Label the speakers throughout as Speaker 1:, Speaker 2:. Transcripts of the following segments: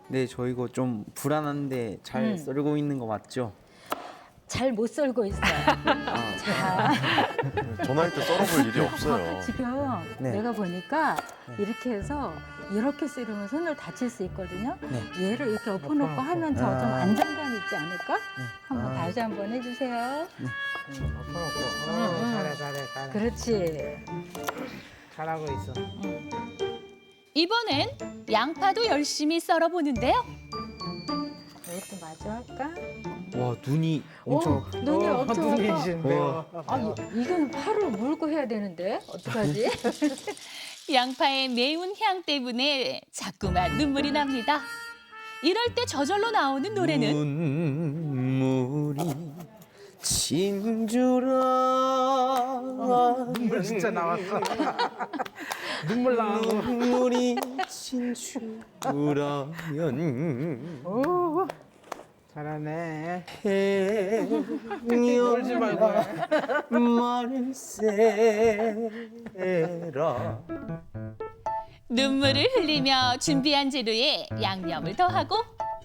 Speaker 1: 네, 저 이거 좀 불안한데 잘 썰고 있는 거 맞죠?
Speaker 2: 잘 못 썰고 있어요. 자,
Speaker 3: 전화할 때 썰어볼 일이 없어요.
Speaker 2: 지금
Speaker 1: 네.
Speaker 2: 내가 보니까 이렇게 해서 이렇게 썰으면 손을 다칠 수 있거든요.
Speaker 1: 네.
Speaker 2: 얘를 이렇게 엎어놓고 하면 더 좀 안정감 있지 않을까? 한번 다시 한번 해주세요.
Speaker 4: 잘해.
Speaker 2: 그렇지.
Speaker 4: 잘하고 있어.
Speaker 5: 이번엔 양파도 열심히 썰어보는데요.
Speaker 2: 이것도 마저 할까?
Speaker 1: 와, 눈이 엄청
Speaker 2: 눈이 엄청
Speaker 4: 눈이
Speaker 2: 아파.
Speaker 4: 이신데요.
Speaker 2: 이건 팔을 물고 해야 되는데 어떡하지?
Speaker 5: 양파의 매운 향 때문에 자꾸만 눈물이 납니다. 이럴 때 저절로 나오는 노래는
Speaker 1: 눈물이 진주라
Speaker 4: 눈물 진짜 나왔어. 눈물 나고.
Speaker 1: 눈물이 진주라면
Speaker 4: 오, 잘하네.
Speaker 1: 울지
Speaker 4: 말고
Speaker 1: 말세라.
Speaker 5: 눈물을 흘리며 준비한 재료에 양념을 더하고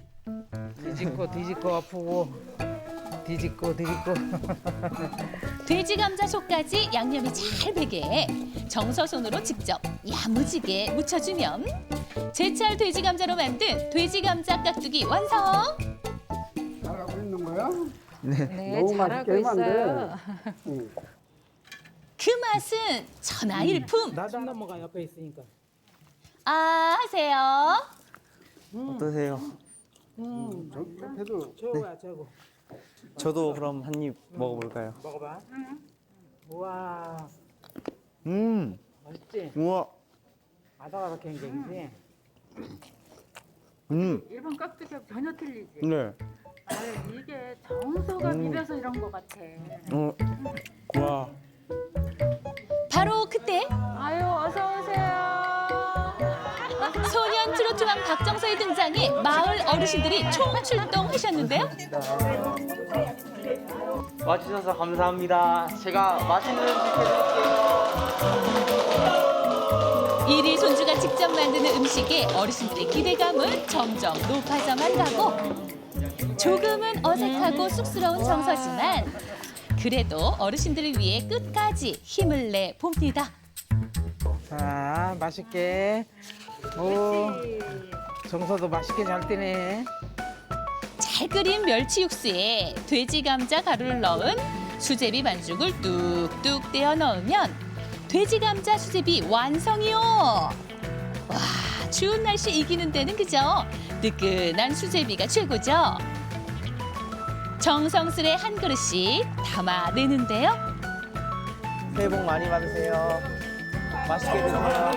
Speaker 4: 뒤집고 아프고 뒤집고.
Speaker 5: 돼지 감자 속까지 양념이 잘 배게 정서손으로 직접 야무지게 묻혀주면 제철 돼지 감자로 만든 돼지 감자 깍두기 완성!
Speaker 6: 잘하고 있는 거야?
Speaker 2: 네,
Speaker 6: 너무
Speaker 2: 잘하고
Speaker 6: 맛있게
Speaker 2: 있어요.
Speaker 5: 그 맛은 천하일품!
Speaker 4: 나도 넘어가 옆에 있으니까.
Speaker 5: 아 하세요.
Speaker 1: 어떠세요?
Speaker 6: 옆에도
Speaker 4: 최고야 최고.
Speaker 1: 저도 그럼 한 입 먹어볼까요?
Speaker 4: 먹어봐. 우와, 맛있지?
Speaker 1: 우와,
Speaker 4: 아삭아삭한 게이지.
Speaker 2: 일본 깍두기가 전혀 틀리지.
Speaker 1: 네.
Speaker 2: 이게 정서가 비벼서 이런 것 같아.
Speaker 1: 와.
Speaker 5: 바로 그때
Speaker 2: 아유, 어서 오세요.
Speaker 5: 소년 트로트왕 박정서의 등장에 마을 어르신들이 총출동하셨는데요.
Speaker 1: 와주셔서 감사합니다. 제가 맛있는 음식 해드릴게요.
Speaker 5: 이리 손주가 직접 만드는 음식에 어르신들의 기대감은 점점 높아져만 가고 조금은 어색하고 쑥스러운 정서지만 그래도 어르신들을 위해 끝까지 힘을 내 봅니다.
Speaker 4: 자, 맛있게. 오, 정서도 맛있게 잘 뜨네.
Speaker 5: 잘 끓인 멸치 육수에 돼지 감자 가루를 넣은 수제비 반죽을 뚝뚝 떼어 넣으면 돼지 감자 수제비 완성이요. 와, 추운 날씨 이기는 데는 그저 뜨끈한 수제비가 최고죠. 정성스레 한 그릇씩 담아내는데요.
Speaker 1: 새해 복 많이 받으세요. 맛있게 드세요.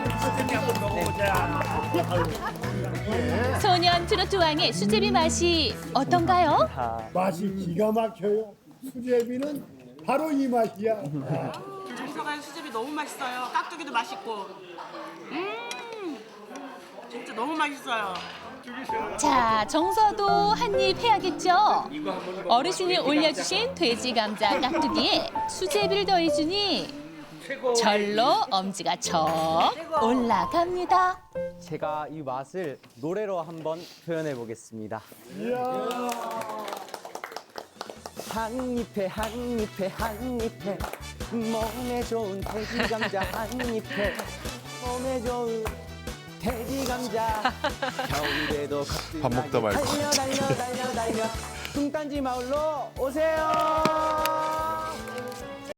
Speaker 5: 소년 트로트 왕의 수제비 맛이 어떤가요?
Speaker 6: 맛이 기가 막혀요. 수제비는 바로 이 맛이야.
Speaker 7: 정서간 수제비 너무 맛있어요. 깍두기도 맛있고. 진짜 너무 맛있어요.
Speaker 5: 자, 정서도 한 입 해야겠죠? 어르신이 올려주신 돼지 감자 깍두기에 수제비를 더해주니 절로 엄지가 척 올라갑니다.
Speaker 1: 제가 이 맛을 노래로 한번 표현해 보겠습니다. 한 입에 한 입에 한 입에 몸에 좋은 돼지 감자 한 입에 몸에 좋은 돼지 감자 겨울에도
Speaker 3: 밥 먹다 말고.
Speaker 1: 달려 뚱딴지 마을로 오세요.